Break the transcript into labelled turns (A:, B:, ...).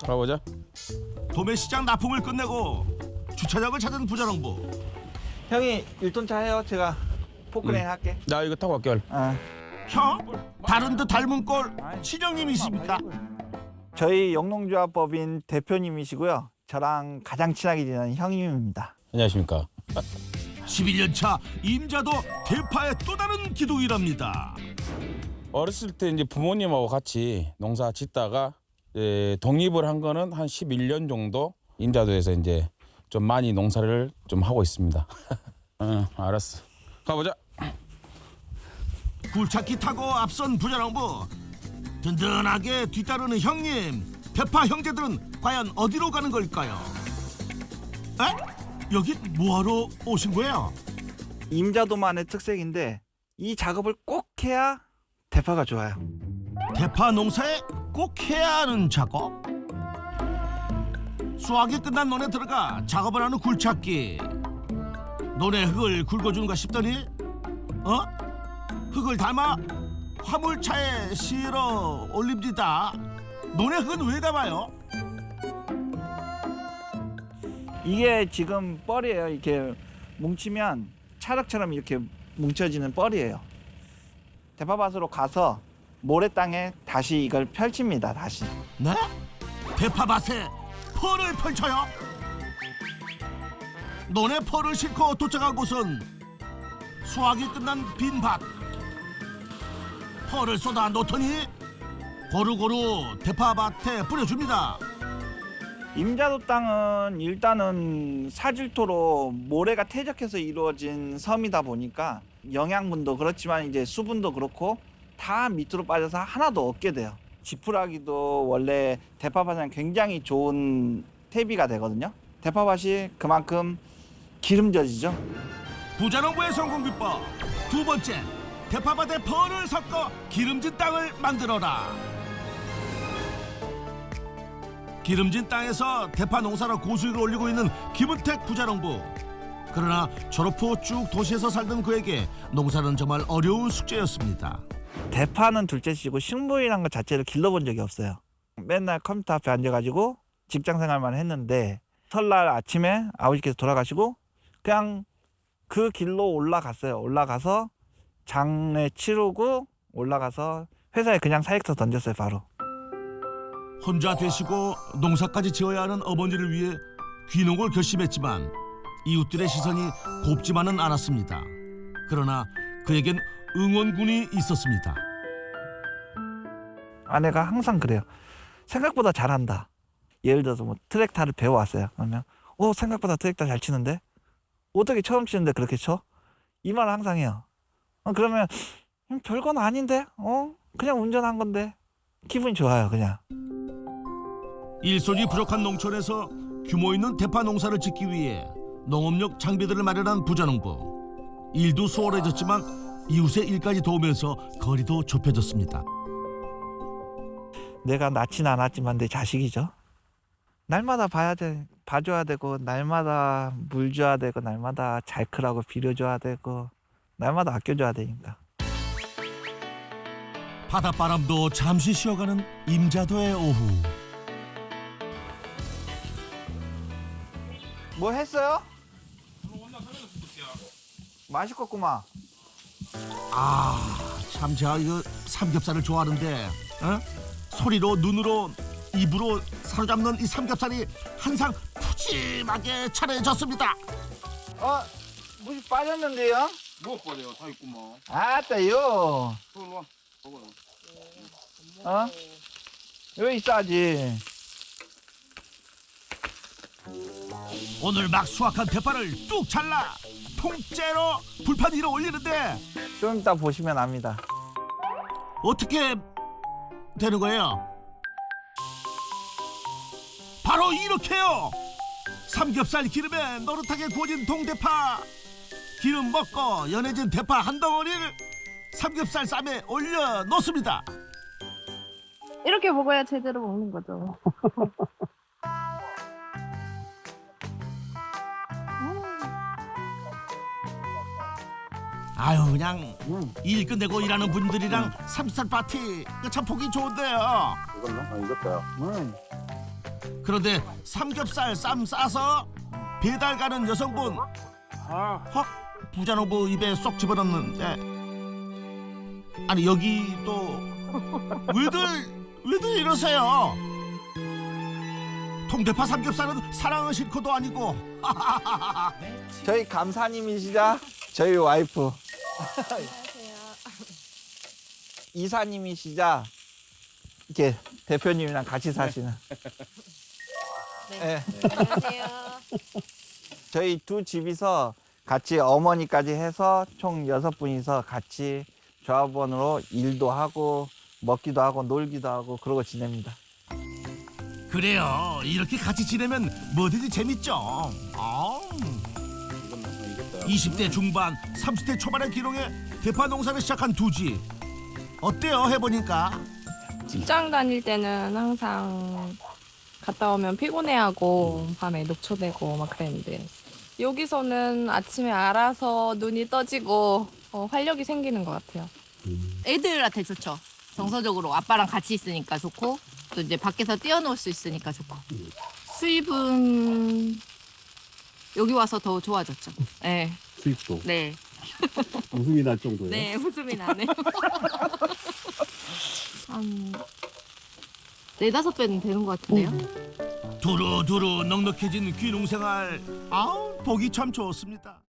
A: 가보자.
B: 도매시장 납품을 끝내고 주차장을 찾은 부자농부.
C: 형이 1톤차 해요. 제가 포크레인 할게.
A: 나 이거 타고 갈게.
B: 형? 다른 듯 닮은 꼴 친형님이십니까?
C: 저희 영농조합법인 대표님이시고요. 저랑 가장 친하게 지내는 형님입니다.
A: 안녕하십니까.
B: 11년 차 임자도 대파의 또 다른 기둥이랍니다.
A: 어렸을 때 이제 부모님하고 같이 농사 짓다가 독립을 한 거는 한 11년 정도 임자도에서 이제 좀 많이 농사를 좀 하고 있습니다. 응, 알았어. 가보자.
B: 굴착기 타고 앞선 부자농부. 든든하게 뒤따르는 형님. 대파 형제들은 과연 어디로 가는 걸까요? 에? 여기 뭐하러 오신 거예요?
C: 임자도만의 특색인데 이 작업을 꼭 해야 대파가 좋아요.
B: 대파 농사에 꼭 해야 하는 작업? 수확이 끝난 논에 들어가 작업을 하는 굴착기. 논에 흙을 굵어주는가 싶더니 흙을 담아 화물차에 실어 올립니다. 논에 흙은 왜 담아요?
C: 이게 지금 뻘이에요. 이렇게 뭉치면 찰흙처럼 이렇게 뭉쳐지는 뻘이에요. 대파밭으로 가서 모래땅에 다시 이걸 펼칩니다. 다시.
B: 네? 대파밭에 펄을 펼쳐요? 논에 펄을 싣고 도착한 곳은 수확이 끝난 빈 밭. 펄을 쏟아 놓더니 고루고루 대파밭에 뿌려줍니다.
C: 임자도 땅은 일단은 사질토로 모래가 퇴적해서 이루어진 섬이다 보니까 영양분도 그렇지만 이제 수분도 그렇고 다 밑으로 빠져서 하나도 없게 돼요. 지푸라기도 원래 대파밭은 굉장히 좋은 퇴비가 되거든요. 대파밭이 그만큼 기름져지죠.
B: 부자농부의 성공 비법 두 번째, 대파밭에 펄을 섞어 기름진 땅을 만들어라. 기름진 땅에서 대파 농사로 고수익을 올리고 있는 김은택 부자농부. 그러나 졸업 후 쭉 도시에서 살던 그에게 농사는 정말 어려운 숙제였습니다.
C: 대파는 둘째치고 식물이란 것 자체를 길러본 적이 없어요. 맨날 컴퓨터 앞에 앉아가지고 직장 생활만 했는데 설날 아침에 아버지께서 돌아가시고 그냥 그 길로 올라갔어요. 올라가서 장례 치르고 올라가서 회사에 그냥 사익서 던졌어요. 바로.
B: 혼자 되시고 농사까지 지어야 하는 어머니를 위해 귀농을 결심했지만 이웃들의 시선이 곱지만은 않았습니다. 그러나 그에겐 응원군이 있었습니다.
C: 아내가 항상 그래요. 생각보다 잘한다. 예를 들어서 뭐 트랙타를 배워왔어요. 그러면 생각보다 트랙타 잘 치는데? 어떻게 처음 치는데 그렇게 쳐? 이 말을 항상 해요. 그러면 별건 아닌데? 그냥 운전한 건데? 기분이 좋아요. 그냥.
B: 일손이 부족한 농촌에서 규모 있는 대파 농사를 짓기 위해 농업용 장비들을 마련한 부자농부. 일도 수월해졌지만 이웃의 일까지 도우면서 거리도 좁혀졌습니다.
C: 내가 낳진 않았지만 내 자식이죠. 날마다 봐줘야 되고 날마다 물 줘야 되고 날마다 잘 크라고 비료줘야 되고 날마다 아껴줘야 되니까.
B: 바닷바람도 잠시 쉬어가는 임자도의 오후.
C: 뭐 했어요? 맛있겠구만.
B: 참 제가 이거 삼겹살을 좋아하는데 소리로 눈으로 입으로 사로잡는 이 삼겹살이 항상 푸짐하게 차려졌습니다.
C: 물이 빠졌는데요?
A: 뭐 빠져요? 다 있구만.
C: 아따요.
A: 들어와. 먹어요.
C: 여기 있어야지.
B: 오늘 막 수확한 대파를 뚝 잘라 통째로 불판 위로 올리는데
C: 좀 이따 보시면 압니다.
B: 어떻게 되는 거예요? 바로 이렇게요. 삼겹살 기름에 노릇하게 구워진 동대파, 기름 먹고 연해진 대파 한 덩어리를 삼겹살 쌈에 올려 놓습니다.
D: 이렇게 먹어야 제대로 먹는 거죠.
B: 아유 그냥 일 끝내고 일하는 분들이랑 삼겹살 파티 참 보기 좋은데요.
A: 이걸로? 이것도요.
B: 그런데 삼겹살 쌈 싸서 배달 가는 여성분 확 부자농부 입에 쏙 집어넣는데 아니 여기도 왜들 이러세요? 통대파 삼겹살은 사랑은 싫고도 아니고
C: 저희 감사님이시자 저희 와이프. 이사님이시자 이렇게 대표님이랑 같이 사시는. 네.
E: 안녕하세요.
C: 저희 두 집이서 같이 어머니까지 해서 총 6분이서 같이 조합원으로 일도 하고 먹기도 하고 놀기도 하고 그러고 지냅니다.
B: 그래요. 이렇게 같이 지내면 뭐든지 재밌죠. 20대 중반, 30대 초반의 기록에 대파 농사를 시작한 두 집. 어때요? 해보니까?
E: 직장 다닐 때는 항상 갔다 오면 피곤해하고 밤에 녹초되고 막 그랬는데 여기서는 아침에 알아서 눈이 떠지고 활력이 생기는 것 같아요.
F: 애들한테 좋죠. 정서적으로 아빠랑 같이 있으니까 좋고 또 이제 밖에서 뛰어놀 수 있으니까 좋고 수입은 여기 와서 더 좋아졌죠. 네.
G: 수입도
F: 네.
G: 웃음이 날 정도예요.
F: 네, 웃음이 나네요. 한 4-5배는 되는 것 같은데요.
B: 두루두루 넉넉해진 귀농생활. 보기 참 좋습니다.